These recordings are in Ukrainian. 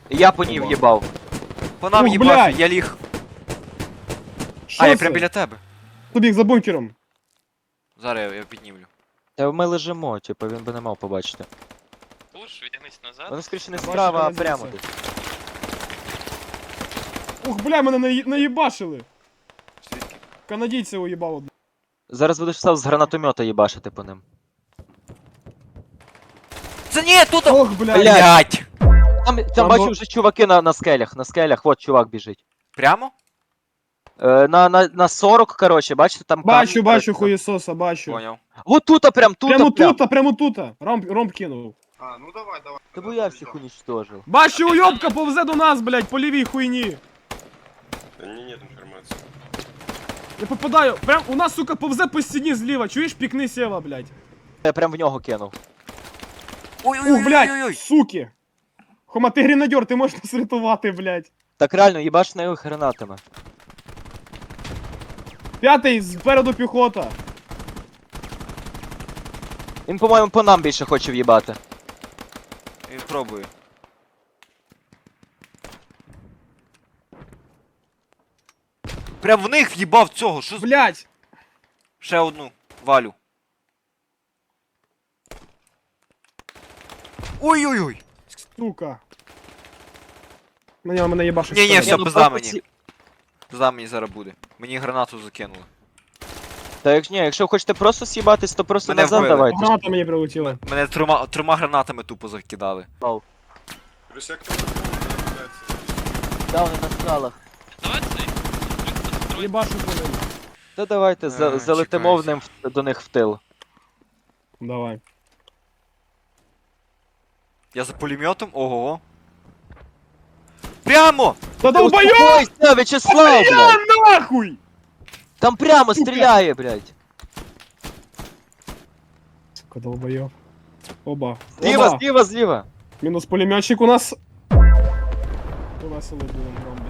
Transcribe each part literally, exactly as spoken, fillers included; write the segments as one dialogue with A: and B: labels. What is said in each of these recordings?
A: Я по ній в'їбав.
B: По нам
C: Ух,
B: їбав,
C: блядь.
B: я ліг.
C: Що
B: А, я
C: це?
B: прям біля тебе.
C: Побіг за бункером.
B: Зараз я, я піднімлю.
A: Та ми лежимо, типу, він би не мав побачити.
D: Пуш, відтягнись назад.
A: Вони скоріше не
C: Бачу,
A: справа, а
C: канадійця.
A: прямо десь.
C: Ух, бля, мене наї- наїбашили.
B: Звідки?
C: Канадійця уїбав одне.
A: Зараз будеш став з гранатомета їбашити по ним.
B: Це ні, тут!
C: Ох, бля.
B: Блять!
A: Там, там
C: Там,
A: бачу
C: ну-
A: вже чуваки на, на скелях, на скелях, от чувак біжить.
B: Прямо?
A: Е, на, на, на сорок, короче, бачите, там
C: Бачу,
A: камінь,
C: бачу,
A: коротше.
C: хуєсоса, бачу.
B: Поняв.
A: Вот тут, прям тут,
C: Прямо
A: прям.
C: тут, а прямо тут. Ромб, ромб кинув.
E: А, ну давай, давай.
A: Та бо я всіх уничтожив.
C: Бачу, уйобка повзе до нас, блядь, по лівій хуйні.
E: Да не, нет информации.
C: Я попадаю. Прям у нас, сука, повзе по стіні зліва. Чуєш, пікни сєва, блядь.
A: Я прям в нього кинув.
C: Ух,
B: Ой-ой-ой-ой-ой!
C: блядь, суки. Хома, ти гренадер, ти можеш нас рятувати, блядь.
A: Так реально, їбаш на його гранатами.
C: П'ятий, спереду піхота.
A: Він, по-моєму, по нам більше хоче в'їбати.
B: Він пробує. Прям в них в'їбав цього, що з...
C: Блядь.
B: Ще одну. Валю. Ой-ой-ой!
C: Сука. Мене, мене їбашить.
B: Ні-ні,
C: спереду.
B: все,
A: ну,
B: пизда
A: просто
B: мені.
A: ці-
B: Пизда мені зараз буде. Мені гранату закинули.
A: Та як ні, якщо хочете просто с'їбатись, то просто
B: Мене
A: назад
B: вбили.
A: давайте.
C: Граната мені прилетіла.
B: Мене трьома, трьома гранатами тупо закидали.
E: Плюс я кто-то является.
A: Да, вони на скалах.
D: Давай цей. Строй.
C: Їбашу по ним.
A: Та давайте за,
B: А,
A: залетимо в
B: чекайте.
A: ним в- до них в тил.
C: Давай.
B: Я за пулеметом? Ого. Прямо!
C: Та долбойоб!
A: Успокойся, Вячеслав, блядь!
C: Нахуй!
A: Там прямо
C: Сука.
A: стріляє, блядь.
C: Сука, долбойоб. Оба.
A: Зліва,
C: Оба.
A: зліва, зліва.
C: Мінус пулеметчик у нас. То весело було, ромби.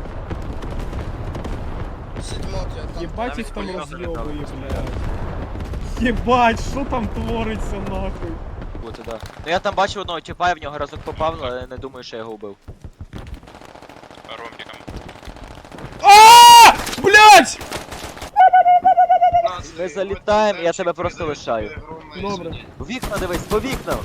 C: Єбать їх там роз'єбує, блядь. Єбать, що там твориться, нахуй?
A: Бути, да. Ну я там бачив одного тіпа, я в нього разок попав, але не думаю, що я його вбив.
D: Ромбиком.
C: А! Блядь!
A: Ми залітаємо, я тебе просто лишаю.
C: Добре.
A: В вікна дивись, по вікнам!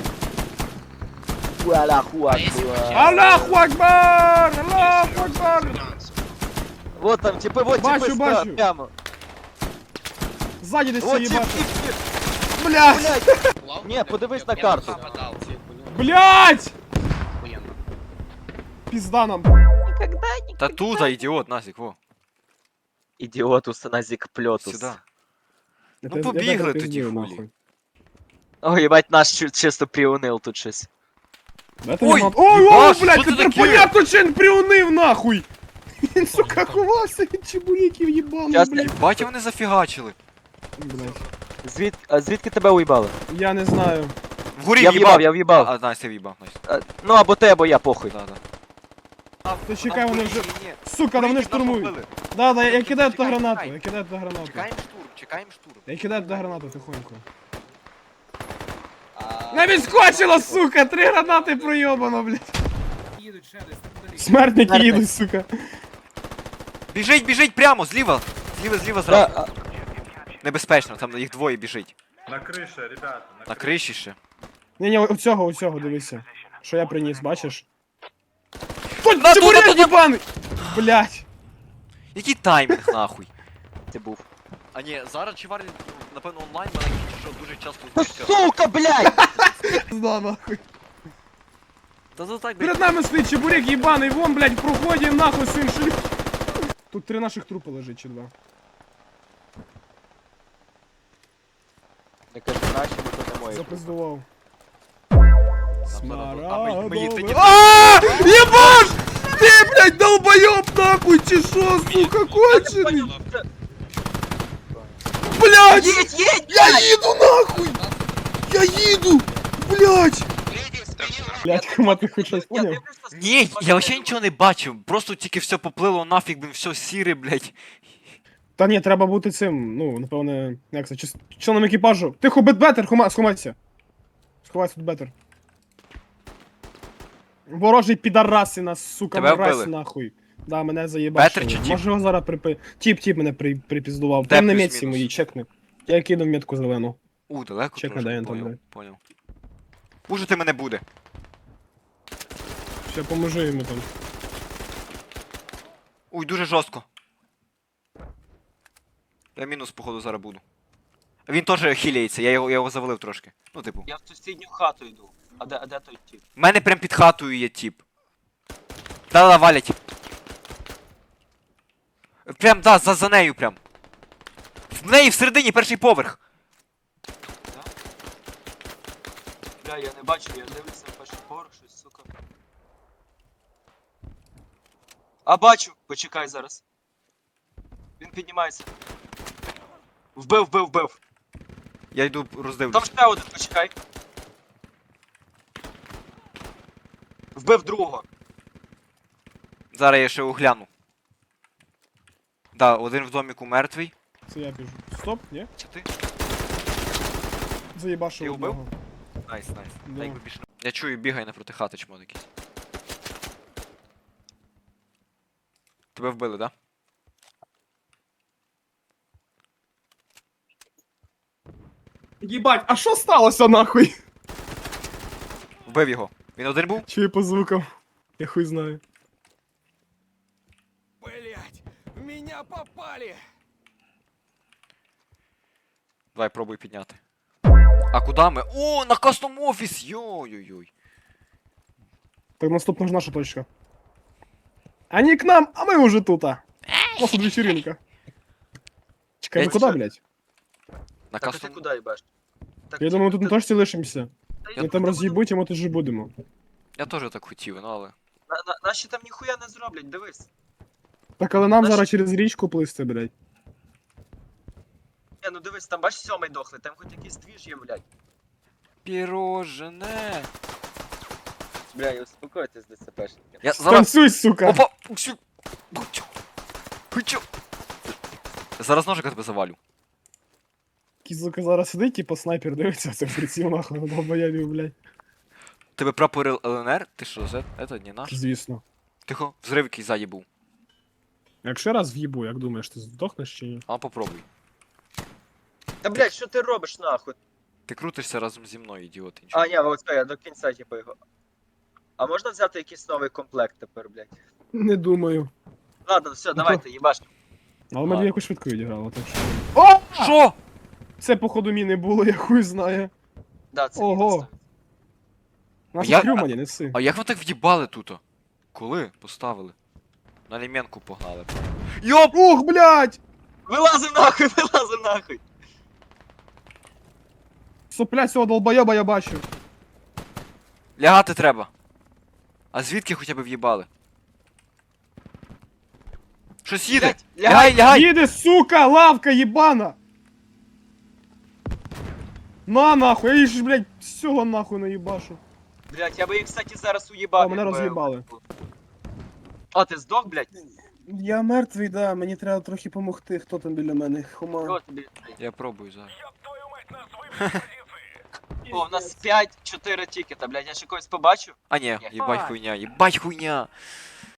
A: Аллаху акбар.
C: Аллаху Акбар! Аллаху Акбар!
A: Вот там типи, вот
C: Бачу,
A: типи
C: бачу.
A: справа, прямо.
C: Ззаді десь
A: Вот
C: все
A: тип,
C: їбати.
A: тип, тип.
C: Блядь!
A: Блядь! Ні, подивись на карту.
C: Блядь! Пизда нам.
A: Никогда не...
B: Та тут, а ідіот, Назік, во.
A: Ідіотус, назік пльотус.
B: Сюди.
C: Я
B: Ну,
C: те- я
B: побігли
C: тебе
B: тоді,
C: пиздію,
B: хулі.
C: нахуй.
A: Ой, ебать, наш чу- чисто приунил тут щось.
C: Дайте
B: Ой,
C: мені мат- Ой, ой,
B: їбаш,
C: блядь,
B: що це
C: тепер
B: таке?
C: понятно, чи він приунив, нахуй! Він, сука, ховався від чебуреків їбаний,
A: Щас,
C: блядь.
B: Батя вони зафігачили.
C: Блядь.
A: Звід... А звідки тебе уїбали?
C: Я не знаю.
B: Вгорі
A: Я
B: в'їбав.
A: в'їбав, я в'їбав.
B: А, Настя в'їбав, Настя.
A: А, ну або ти, або я, похуй.
B: Да, да.
C: То чекай, вони вже...
B: Ні-ні-ні.
C: Сука, да вони
B: Вгорі нас
C: штурмують.
B: побили.
C: Да, да, я
B: Чекай,
C: кидаю туди
B: чекай,
C: гранату,
B: чекай.
C: я кидаю туди гранату.
B: Чекаємо штурм, чекаємо штурм.
C: Я кидаю туди гранату тихонько. Не відскочила, сука! Три гранати пройобано, блядь. Смертники
A: Смертник.
C: їдуть, сука.
B: Біжить, біжить прямо, зліва. Зліва, зліва, зразу.
A: Да, а,
B: Небезпечно, там їх двоє біжить.
E: На крыше, ребята.
B: На криші ще.
C: Ні-ні, оцього, оцього, дивися. Що я приніс, бачиш? Тут
B: На,
C: чебурек
B: тут, тут,
C: єбаний! Блядь.
B: Який таймінг, нахуй?
A: ти був.
B: А ні, зараз чуварі, напевно, онлайн мене що дуже часто
A: Та
B: знищує.
A: сука, блядь!
C: Да, нахуй.
B: Та то так,
C: Перед нами стоїть чебурек єбаний, вон, блядь, в проході, нахуй, син шлю. Тут три наших трупи лежить, чи два.
A: Не кажи наші, бо то не мої.
C: Запиздував.
B: Смарагдове. Ми їх тоді-
C: Ааа! Єбаш! Ти, блядь, долбойоб нахуй, чи шо, сука, кончений? Блядь!
A: Їдь, їдь!
C: Я їду нахуй! Я їду! Блядь! Блядь, Хома, ти хоч щось
A: Я
C: поняв?
A: дивлюся,
B: Ні, я вообще нічого не бачив. Просто тільки все поплило нафіг, блін, все сіре, блядь.
C: Та ні, треба бути цим, ну, напевне, як це, чис- членом екіпажу. Тихо, бет бетер, Хома, сховайся. Сховайся тут бетер. Ворожий підараси нас, сука,
B: Тебе
C: мразь
B: вбили?
C: нахуй. Да, мене заєбашили.
B: Петр чи тіп?
C: Може його зараз припи... Тіп, тіп мене при... припіздував.
B: Де
C: Прям на
B: плюс-мінус?
C: метці моїй, чекни. Я кину метку зелену.
B: У, далеко
C: Чекай,
B: трошки,
C: де він там,
B: поняв,
C: блядь.
B: поняв. Пушити мене буде.
C: Ще поможу йому там.
B: Уй, дуже жорстко. Я мінус, походу, зараз буду. Він теж хіляється, я його, я його завалив трошки. Ну, типу.
A: Я в сусідню хату йду. А де, а де той тіп?
B: В мене прям під хатою є тіп. Да-да, валять. Прям, да, за, за нею прям. В неї всередині перший поверх.
A: Бля, я не бачу, я дивлюся на перший поверх, щось, сука. А бачу! Почекай зараз. Він піднімається. Вбив, вбив, вбив.
B: Я йду
A: Там
B: роздивлюсь.
A: ще один, почекай. Вбив другого.
B: Зараз я ще огляну. Да, один в доміку мертвий.
C: Це я біжу. Стоп, ні?
B: Чи ти?
C: Заєбашив
B: Ти вбив?
C: одного.
B: Найс, найс.
C: Да.
B: Та якби більше не- Я чую, бігай напроти хати чмон якийсь. Тебе вбили, да?
C: Єбать, а що сталося нахуй?
B: Вбив його. Він один був?
C: Чую по звукам. Я хуй знаю.
F: Блять, в меня попали!
B: Давай, пробуй підняти. А куди ми? О, на кастом офіс! Йой-йой-йой.
C: Так наступна ж наша точка. Они к нам, а мы уже тут. А. У нас тут вечеринка. Чекай,
B: Я
C: мы куда,
B: тебе-
C: блядь?
B: На
A: Так, а ти
B: кастом...
A: куди їбаш? Так,
C: Я
A: тіп,
C: думаю, тут
A: ти-
C: на точці лишимося.
A: Та
C: Ми там роз'їбуть, і ми тут же будемо.
B: Я теж так хотів, ну але...
A: На, на, наші там ніхуя не зроблять, дивись.
C: Так, але нам
A: Наш-
C: зараз через річку плисти, блядь.
A: Не, ну дивись, там бачиш сьомий дохлий, там хоч якийсь двіж є, блядь.
B: Пірожене.
A: Бля, і успокойтесь, ДЦПшники.
B: Я зараз...
C: Танцуй, сука!
B: Опа! Усю! Хучу! Хучу! Зараз ножика тебе завалю.
C: Кізука зараз сидить, типу снайпер дивиться, це приціл нахуй, на долбоябів, блядь.
B: Тебе прапор ЛНР? Ти що, це? Это не наш?
C: Звісно.
B: Тихо, взрив якийсь ззаді був.
C: Якщо раз в'їбу, як думаєш, ти здохнеш чи ні?
B: А попробуй.
A: Та блядь, що ти робиш нахуй?
B: Ти крутишся разом зі мною, ідіот. інший.
A: А, ні, от я до кінця типу його. А можна взяти якийсь новий комплект тепер, блядь?
C: Не думаю.
A: Ладно, все, давайте, їбаш.
C: Але ми
B: Ладно.
C: дві якось швидко відіграли, так що. О!
B: Що?
C: Це походу міни було, я хуй знає.
A: Да, це
C: Ого.
A: мінус.
C: Нас
B: Я-
C: я... крюмані, неси.
B: А як ви так в'їбали тут? Коли поставили? На ліменку погнали. Йоп!
C: Ух, блядь!
A: Вилазим нахуй, вилазим нахуй.
C: Сопля цього долбойоба я бачу.
B: Лягати треба. А звідки хоча б в'їбали? Щось їде!
A: Блядь,
B: Лягай, лягай!
C: Їде, сука, лавка єбана! На нахуй, я її ж, блядь, всього нахуй наїбашу.
A: Блядь, я би їх, кстати, зараз уїбав.
C: О, мене
A: якби-
C: роз'їбали.
A: А, ти здох, блядь?
C: Я мертвий, да, мені треба трохи помогти, хто там біля мене, хума.
A: Що тобі?
B: Я пробую зараз.
A: О, у нас п'ять чотири тікета, блядь, я ще когось побачу.
B: А ні,
A: Ні.
B: їбать хуйня, їбать хуйня!